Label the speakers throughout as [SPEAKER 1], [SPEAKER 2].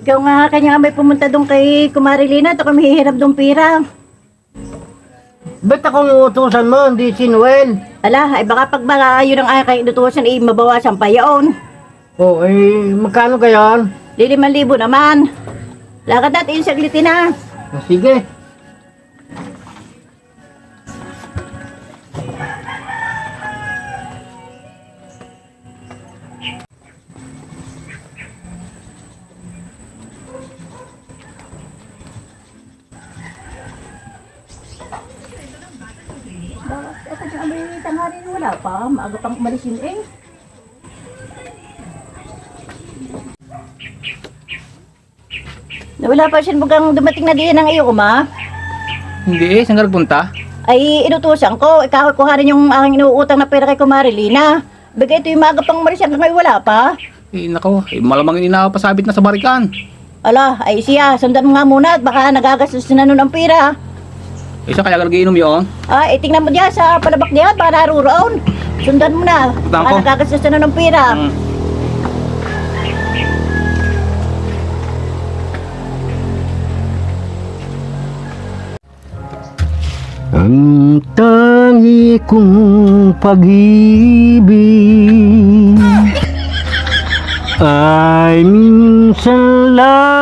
[SPEAKER 1] Ikaw nga kanya may pumunta doon kay Kumari Lina at ako mahihirap doon pira.
[SPEAKER 2] Ba't akong utusan mo, hindi si Noel?
[SPEAKER 1] Ala, ay baka pag yun ang aking inutusan, mabawasan pa yaon.
[SPEAKER 2] Oh, magkano kaya?
[SPEAKER 1] 5,000 naman. Lakad natin yung saglitin na.
[SPEAKER 2] Sige.
[SPEAKER 1] Ito yung may tanghari wala pa. Maaga pang umalis yun eh. Wala pa siya mukhang dumating na diyan ng iyo, ma.
[SPEAKER 3] Hindi saan ka nagpunta?
[SPEAKER 1] Ay, inutusan ko. Ikaw kuhanin yung aking inuutang na pera kay Kumari Lina. Bagay ito yung maaga pang umalis hanggang ngayon wala pa.
[SPEAKER 3] Nako, malamang inapasabit na sa barikan.
[SPEAKER 1] Ala, ay siya, sundan mo nga muna at baka nagagastos na nun ang pera.
[SPEAKER 3] Isa kaya ka nag-iinom yun?
[SPEAKER 1] Ay, tingnan mo diyan sa palabak diyan, baka naruroon. Sundan mo na, baka
[SPEAKER 3] ko.
[SPEAKER 1] nagagastos na nun ang pera.
[SPEAKER 2] Ang tangi kong pag-ibig ay minsan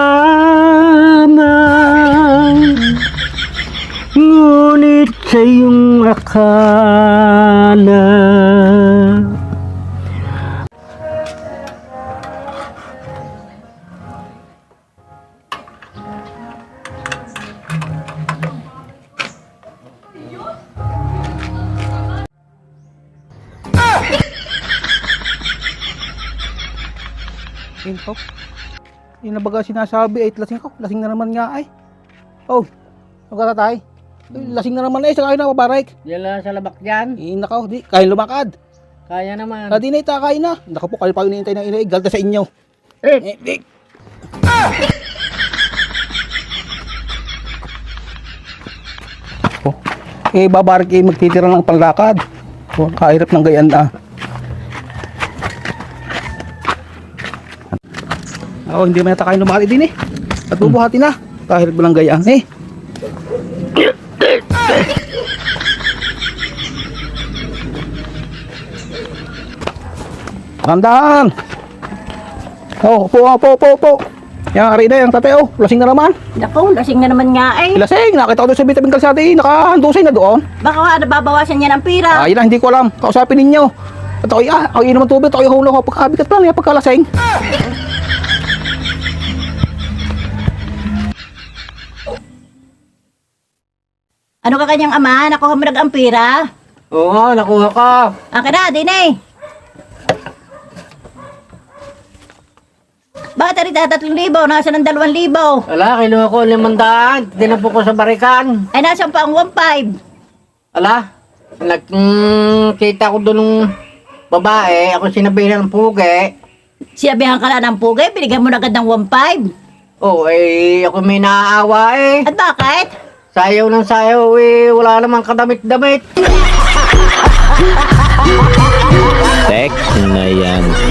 [SPEAKER 2] lamang, ngunit sa iyong akala
[SPEAKER 3] Info. Yung na baga sinasabi, lasing ko. Lasing na naman nga ay. Oh, magkatatay. Lasing na naman sa kayo na mabarik.
[SPEAKER 2] Diyan lang sa labak dyan.
[SPEAKER 3] Nakaw, di. Kaya lumakad.
[SPEAKER 2] Kaya naman.
[SPEAKER 3] Di na itakain na. Naku po, kayo pa hinihintay ng inaig. Galda sa inyo. Oh. Babarik magtitira ng panlakad. Oh, kahirap ng gayaan na. Oh, hindi man yata kayo lumakad din eh. At bubuhati na. Kahirap lang gayaan eh. Tandaan. Oh, upo. Yang hari na, yung tatay, oh, lasing na naman.
[SPEAKER 1] Naku, lasing na naman nga eh.
[SPEAKER 3] Lasing, nakita ko doon sa vitamin kalsati, nakahandusay na doon.
[SPEAKER 1] Baka nababawasan niya ng pera.
[SPEAKER 3] Ayun na, hindi ko alam. Kausapin ninyo. At ako, ako inom ng tubig, ako ihulong ako pagkabigat pa lang, pagkalasing.
[SPEAKER 1] Ano ka kanyang ama? Nakuha mo ang pera?
[SPEAKER 2] Oo, nakuha ka.
[SPEAKER 1] Akin na, din eh. Bakit rin 3,000? Nasa ng 2,000.
[SPEAKER 2] Ala, kinuha ko 500. Dinapo ko sa barikan.
[SPEAKER 1] Ay, nasa pa ang 1,500.
[SPEAKER 2] Ala, nagkita ko doon ng babae. Ako sinabi ng pugi.
[SPEAKER 1] Sinabihan ka lang ng pugay, binigyan mo na agad ng 1,500.
[SPEAKER 2] Oh, ako may naaawa eh.
[SPEAKER 1] At bakit?
[SPEAKER 2] Sayaw ng sayaw wala namang kadamit-damit.
[SPEAKER 4] Tek na yan.